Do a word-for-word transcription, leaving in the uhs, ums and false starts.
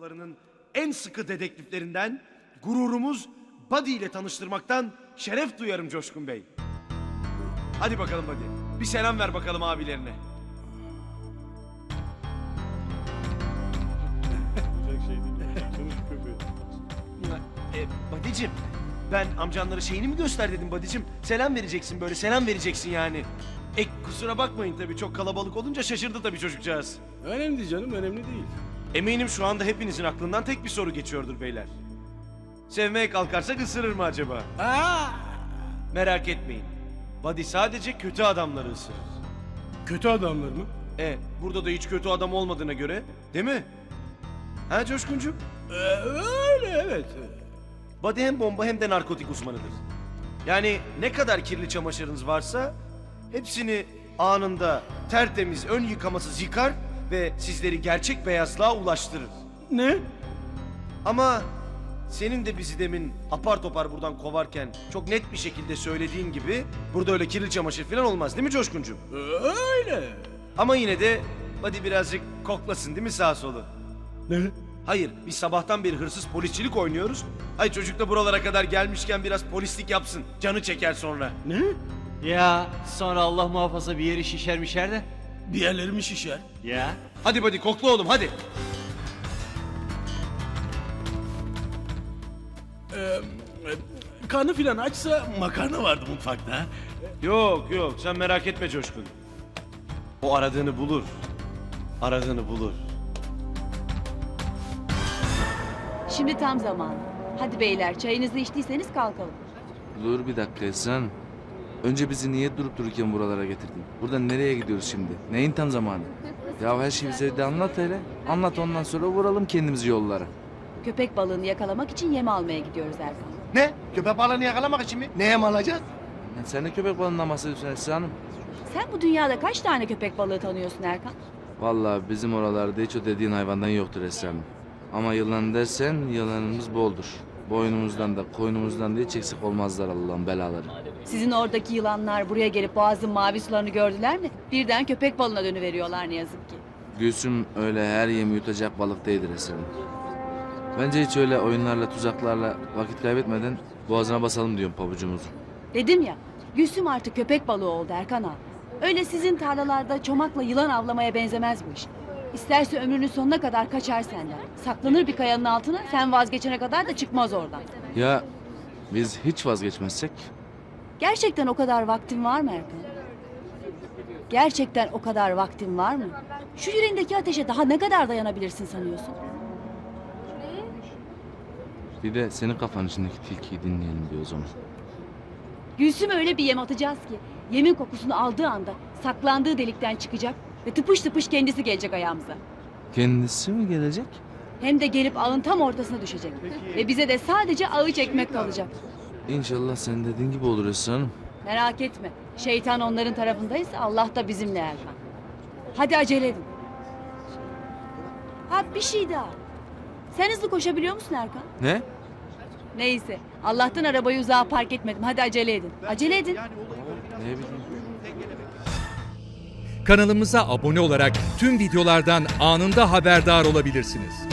odalarının en sıkı dedektiflerinden, gururumuz Buddy ile tanıştırmaktan şeref duyarım Coşkun Bey. Hadi bakalım Buddy, bir selam ver bakalım abilerine. e, Buddy'cim, ben amcanlara şeyini mi göster dedim Buddy'cim. Selam vereceksin, böyle selam vereceksin yani. E kusura bakmayın tabii, çok kalabalık olunca şaşırdı tabii çocukcağız. Önemli değil canım, önemli değil. Eminim şu anda hepinizin aklından tek bir soru geçiyordur beyler. Sevmeye kalkarsak ısırır mı acaba? Aa! Merak etmeyin. Buddy sadece kötü adamları ısırır. Kötü adamlar mı? E burada da hiç kötü adam olmadığına göre, değil mi? Ha Coşkuncuğum? Ee, öyle evet. Buddy hem bomba hem de narkotik uzmanıdır. Yani ne kadar kirli çamaşırınız varsa hepsini anında tertemiz ön yıkamasız yıkar ve sizleri gerçek beyazlığa ulaştırır. Ne? Ama senin de bizi demin apar topar buradan kovarken çok net bir şekilde söylediğin gibi burada öyle kirli çamaşır falan olmaz, değil mi Coşkuncuğum? Öyle. Ama yine de hadi birazcık koklasın değil mi sağ solu? Ne? Hayır, biz sabahtan beri hırsız polisçilik oynuyoruz. Ay çocuk da buralara kadar gelmişken biraz polislik yapsın. Canı çeker sonra. Ne? Ya sonra Allah muhafaza bir yeri şişer mişer de. Bir yerlerim şişer. Ya. Hadi hadi kokla oğlum hadi. Ee, karnı filan açsa makarna vardı mutfakta. Yok yok sen merak etme Coşkun. O aradığını bulur. Aradığını bulur. Şimdi tam zamanı. Hadi beyler, çayınızı içtiyseniz kalkalım. Dur bir dakika Esra'nın. Önce bizi niye durup dururken buralara getirdin? Buradan nereye gidiyoruz şimdi? Neyin tam zamanı? Ya her şeyi bize de anlat hele. Anlat ondan sonra vuralım kendimizi yollara. Köpek balığını yakalamak için yem almaya gidiyoruz Erkan. Ne? Köpek balığını yakalamak için mi? Neye mi alacağız? Ya sen de köpek balığından bahsediyorsun Esra Hanım. Sen bu dünyada kaç tane köpek balığı tanıyorsun Erkan? Vallahi bizim oralarda hiç o dediğin hayvandan yoktur Esra Hanım. Ama yılan dersen yılanımız boldur. Boynumuzdan da koynumuzdan da hiç eksik olmazlar Allah'ın belaları. Sizin oradaki yılanlar buraya gelip boğazın mavi sularını gördüler mi? Birden köpek balığına dönüveriyorlar ne yazık ki. Gülsüm öyle her yemi yutacak balık değildir Esra Hanım. Bence hiç öyle oyunlarla tuzaklarla vakit kaybetmeden boğazına basalım diyorum pabucumuzu. Dedim ya, Gülsüm artık köpek balığı oldu Erkan ağa. Öyle sizin tarlalarda çomakla yılan avlamaya benzemez bu iş. İsterse ömrünün sonuna kadar kaçar senden. Saklanır bir kayanın altına, sen vazgeçene kadar da çıkmaz oradan. Ya biz hiç vazgeçmezsek? Gerçekten o kadar vaktin var mı Erkan? Gerçekten o kadar vaktin var mı? Şu yüreğindeki ateşe daha ne kadar dayanabilirsin sanıyorsun? Bir de senin kafanın içindeki tilkiyi dinleyelim diyor o zaman. Gülsüm'e öyle bir yem atacağız ki yemin kokusunu aldığı anda saklandığı delikten çıkacak ve tıpış tıpış kendisi gelecek ayağımıza. Kendisi mi gelecek? Hem de gelip ağın tam ortasına düşecek. Ve bize de sadece ağı çekmek kalacak. İnşallah sen dediğin gibi olur Esra Hanım. Merak etme. Şeytan onların tarafındaysa Allah da bizimle Erkan. Hadi acele edin. Ha bir şey daha. Sen hızlı koşabiliyor musun Erkan? Ne? Neyse. Allah'tan arabayı uzağa park etmedim. Hadi acele edin. Acele edin. Ne bileyim. Kanalımıza abone olarak tüm videolardan anında haberdar olabilirsiniz.